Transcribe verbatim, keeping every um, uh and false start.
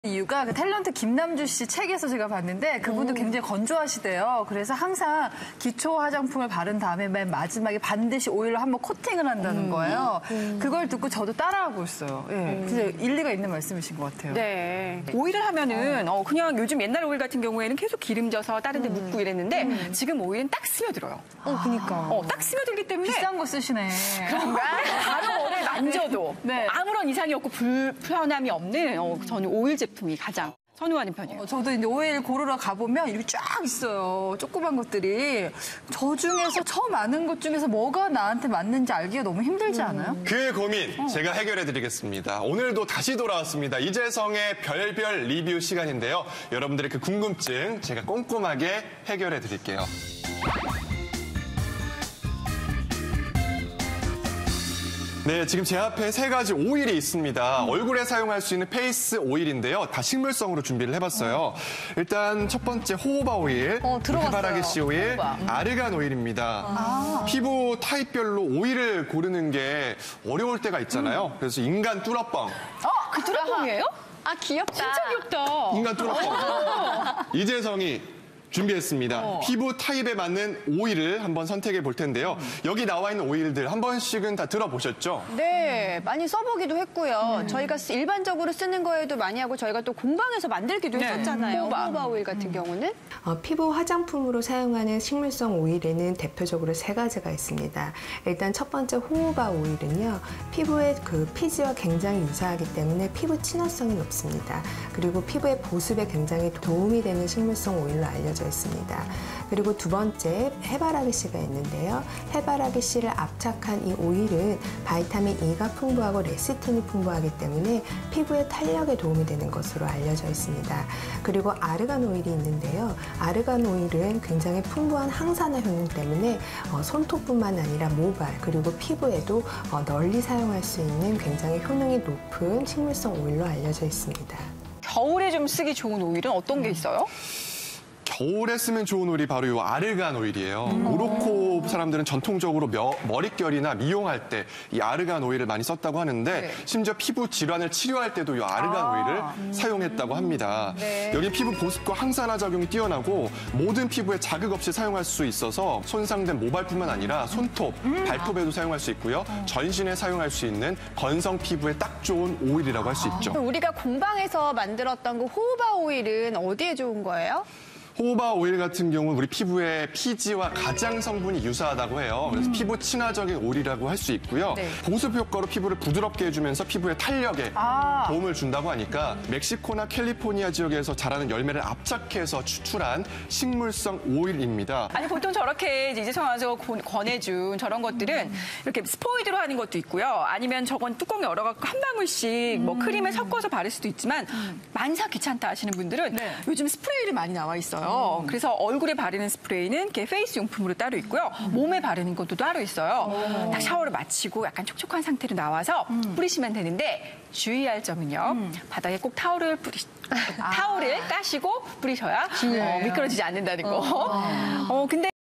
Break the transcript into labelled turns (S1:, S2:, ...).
S1: 이유가 그 탤런트 김남주 씨 책에서 제가 봤는데 그분도 음. 굉장히 건조하시대요. 그래서 항상 기초 화장품을 바른 다음에 맨 마지막에 반드시 오일로 한번 코팅을 한다는 음. 거예요. 음. 그걸 듣고 저도 따라하고 있어요. 예. 음. 그래서 일리가 있는 말씀이신 것 같아요.
S2: 네. 오일을 하면은 어, 그냥 요즘 옛날 오일 같은 경우에는 계속 기름져서 다른 데 음. 묻고 이랬는데 음. 지금 오일은 딱 스며들어요.
S1: 어, 그니까.
S2: 어, 딱 스며들기 때문에
S1: 비싼 거 쓰시네.
S2: 그런가? 바로 오늘 만져도 네. 아무런 이상이 없고 불편함이 없는 어, 저는 오일 제품이 가장 선호하는 편이에요.
S1: 어, 저도 이제 오일 고르러 가보면 이렇게 쫙 있어요. 조그만 것들이. 저 중에서 저 많은 것 중에서 뭐가 나한테 맞는지 알기가 너무 힘들지 않아요?
S3: 음. 그 고민 어. 제가 해결해드리겠습니다. 오늘도 다시 돌아왔습니다. 이재성의 별별 리뷰 시간인데요. 여러분들의 그 궁금증 제가 꼼꼼하게 해결해드릴게요. 네, 지금 제 앞에 세 가지 오일이 있습니다. 음. 얼굴에 사용할 수 있는 페이스 오일인데요. 다 식물성으로 준비를 해봤어요. 음. 일단 첫 번째 호호바 오일,
S1: 어,
S3: 해바라기 씨 오일,
S1: 음.
S3: 아르간 오일입니다.
S1: 아.
S3: 피부 타입별로 오일을 고르는 게 어려울 때가 있잖아요. 음. 그래서 인간 뚫어뻥.
S2: 어, 그 뚫어뻥이에요?
S4: 아, 귀엽다.
S2: 진짜 귀엽다.
S3: 인간 뚫어뻥. 이재성이 준비했습니다. 어. 피부 타입에 맞는 오일을 한번 선택해 볼 텐데요. 음. 여기 나와 있는 오일들 한 번씩은 다 들어보셨죠?
S4: 네, 많이 써보기도 했고요. 음. 저희가 일반적으로 쓰는 거에도 많이 하고 저희가 또 공방에서 만들기도 네. 했었잖아요. 호호바. 호호바 오일 같은 음. 경우는.
S5: 어, 피부 화장품으로 사용하는 식물성 오일에는 대표적으로 세 가지가 있습니다. 일단 첫 번째 호호바 오일은요. 피부의 그 피지와 굉장히 유사하기 때문에 피부 친화성이 높습니다. 그리고 피부의 보습에 굉장히 도움이 되는 식물성 오일로 알려져 있습니다. 그리고 두 번째 해바라기 씨가 있는데요. 해바라기 씨를 압착한 이 오일은 바이타민 E가 풍부하고 레시틴이 풍부하기 때문에 피부의 탄력에 도움이 되는 것으로 알려져 있습니다. 그리고 아르간 오일이 있는데요. 아르간 오일은 굉장히 풍부한 항산화 효능 때문에 어, 손톱뿐만 아니라 모발 그리고 피부에도 어, 널리 사용할 수 있는 굉장히 효능이 높은 식물성 오일로 알려져 있습니다.
S2: 겨울에 좀 쓰기 좋은 오일은 어떤 게 있어요?
S3: 겨울에 쓰면 좋은 오일이 바로 이 아르간 오일이에요. 음. 모로코 사람들은 전통적으로 며, 머릿결이나 미용할 때 이 아르간 오일을 많이 썼다고 하는데 네. 심지어 피부 질환을 치료할 때도 이 아르간 아. 오일을 음. 사용했다고 합니다. 네. 여기 피부 보습과 항산화 작용이 뛰어나고 모든 피부에 자극 없이 사용할 수 있어서 손상된 모발뿐만 아니라 손톱, 음. 발톱에도 사용할 수 있고요. 음. 전신에 사용할 수 있는 건성 피부에 딱 좋은 오일이라고 할 수 있죠.
S4: 우리가 공방에서 만들었던 그 호호바 오일은 어디에 좋은 거예요?
S3: 호호바 오일 같은 경우는 우리 피부의 피지와 가장 성분이 유사하다고 해요. 그래서 음. 피부 친화적인 오일이라고 할 수 있고요. 네. 보습 효과로 피부를 부드럽게 해주면서 피부의 탄력에 아. 도움을 준다고 하니까 멕시코나 캘리포니아 지역에서 자라는 열매를 압착해서 추출한 식물성 오일입니다.
S2: 아니 보통 저렇게 이재성 아나운서가 권해준 저런 것들은 음. 이렇게 스포이드로 하는 것도 있고요. 아니면 저건 뚜껑 열어갖고 한 방울씩 음. 뭐 크림에 섞어서 바를 수도 있지만 음. 만사 귀찮다 하시는 분들은 네. 요즘 스프레이를 많이 나와 있어요. 음. 그래서 얼굴에 바르는 스프레이는 이렇게 페이스 용품으로 따로 있고요. 음. 몸에 바르는 것도 따로 있어요. 오. 딱 샤워를 마치고 약간 촉촉한 상태로 나와서 음. 뿌리시면 되는데 주의할 점은요. 음. 바닥에 꼭 타올을 뿌리 아. 타올을 까시고 뿌리셔야 어, 미끄러지지 않는다는 거. 어, 어 근데